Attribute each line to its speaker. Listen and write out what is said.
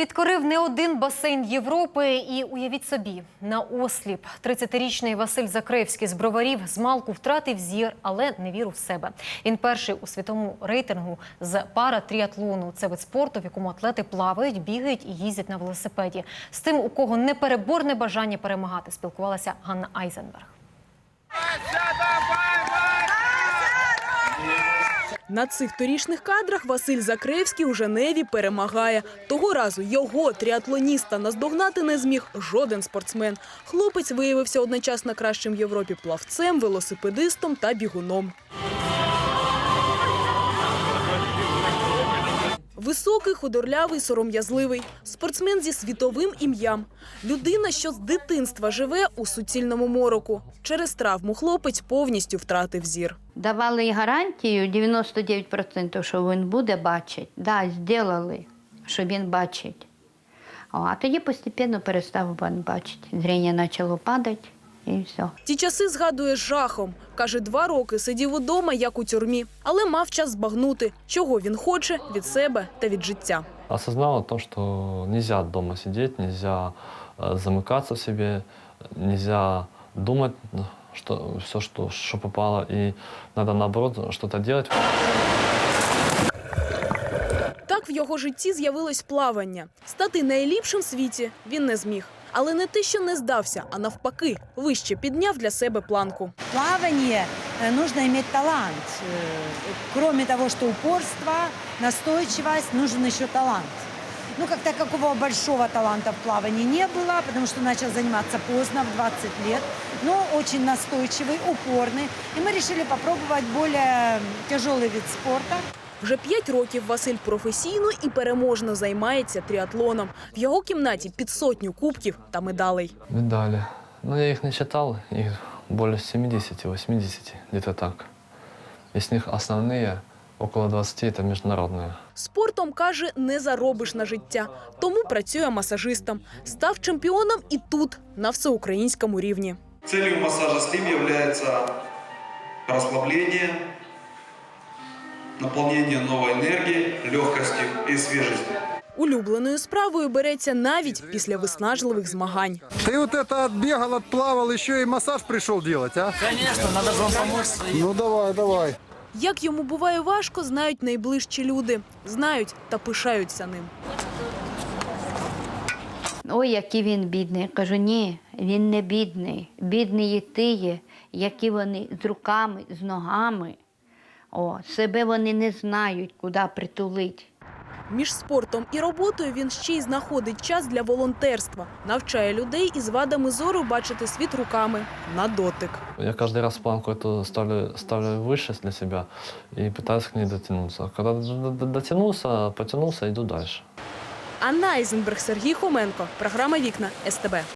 Speaker 1: Підкорив не один басейн Європи і, уявіть собі, наосліп. 30-річний Василь Закревський з Броварів змалку втратив зір, але не вірив в себе. Він перший у світовому рейтингу з паратріатлону. Це вид спорту, в якому атлети плавають, бігають і їздять на велосипеді. З тим, у кого непереборне бажання перемагати, спілкувалася Ганна Айзенберг.
Speaker 2: На цих торішніх кадрах Василь Закревський у Женеві перемагає. Того разу його, тріатлоніста, наздогнати не зміг жоден спортсмен. Хлопець виявився одночасно кращим в Європі плавцем, велосипедистом та бігуном. Високий, худорлявий, сором'язливий. Спортсмен зі світовим ім'ям. Людина, що з дитинства живе у суцільному мороку. Через травму хлопець повністю втратив зір.
Speaker 3: Давали гарантію 99%, що він буде бачити. Так, зробили, що він бачить. А тоді постійно перестав він бачити. Зріння почало падати і все.
Speaker 2: Ті часи згадує з жахом. Каже, 2 роки сидів удома, як у тюрмі. Але мав час збагнути, чого він хоче від себе та від життя.
Speaker 4: Осознал то, что нельзя дома сидеть, нельзя замыкаться в себе, нельзя думать, что все, что попало, и надо, наоборот, что-то делать.
Speaker 2: Так в його житті з'явилось плавання. Стати найліпшим в світі він не зміг. Але не те, що не здався, а навпаки, вище підняв для себе планку.
Speaker 5: Плавание нужно иметь талант. Кроме того, что упорство, настойчивость, нужен еще талант. Ну, как такого большого таланта в плавании не было, потому что начал заниматься поздно, в 20 лет, но очень настойчивый, упорный. И мы решили попробовать более тяжелый вид спорта.
Speaker 2: Вже 5 років Василь професійно і переможно займається тріатлоном. В його кімнаті під 100 кубків та медалей.
Speaker 4: Медали. Ну, я их не считал, их более 70-80, где-то так. Из них основные, около 20, это международные.
Speaker 2: Спортом, каже, не заробиш на життя. Тому працює масажистом. Став чемпіоном і тут, на всеукраїнському рівні.
Speaker 6: Целью массажа Slim является расслабление, наполнение новой энергии, легкости и свежести.
Speaker 2: Улюбленою справою береться навіть після виснажливих змагань.
Speaker 7: Ты вот это отбегал, отплавал, еще и массаж пришел делать, а?
Speaker 8: Конечно, надо же вам помочь.
Speaker 7: Ну давай.
Speaker 2: Як йому буває важко, знають найближчі люди. Знають та пишаються ним.
Speaker 3: Ой, який він бідний. Я кажу, ні, він не бідний. Бідні є ті, які вони з руками, з ногами. Себе вони не знають, куди притулити.
Speaker 2: Між спортом і роботою він ще й знаходить час для волонтерства. Навчає людей із вадами зору бачити світ руками на дотик.
Speaker 4: Я каждый раз планку эту ставлю выше для себя и пытаюсь к ней дотянуться. Когда дотянулся, потянулся, иду дальше.
Speaker 2: Анна Айзенберг, Сергій Хоменко. Програма «Вікна» СТБ.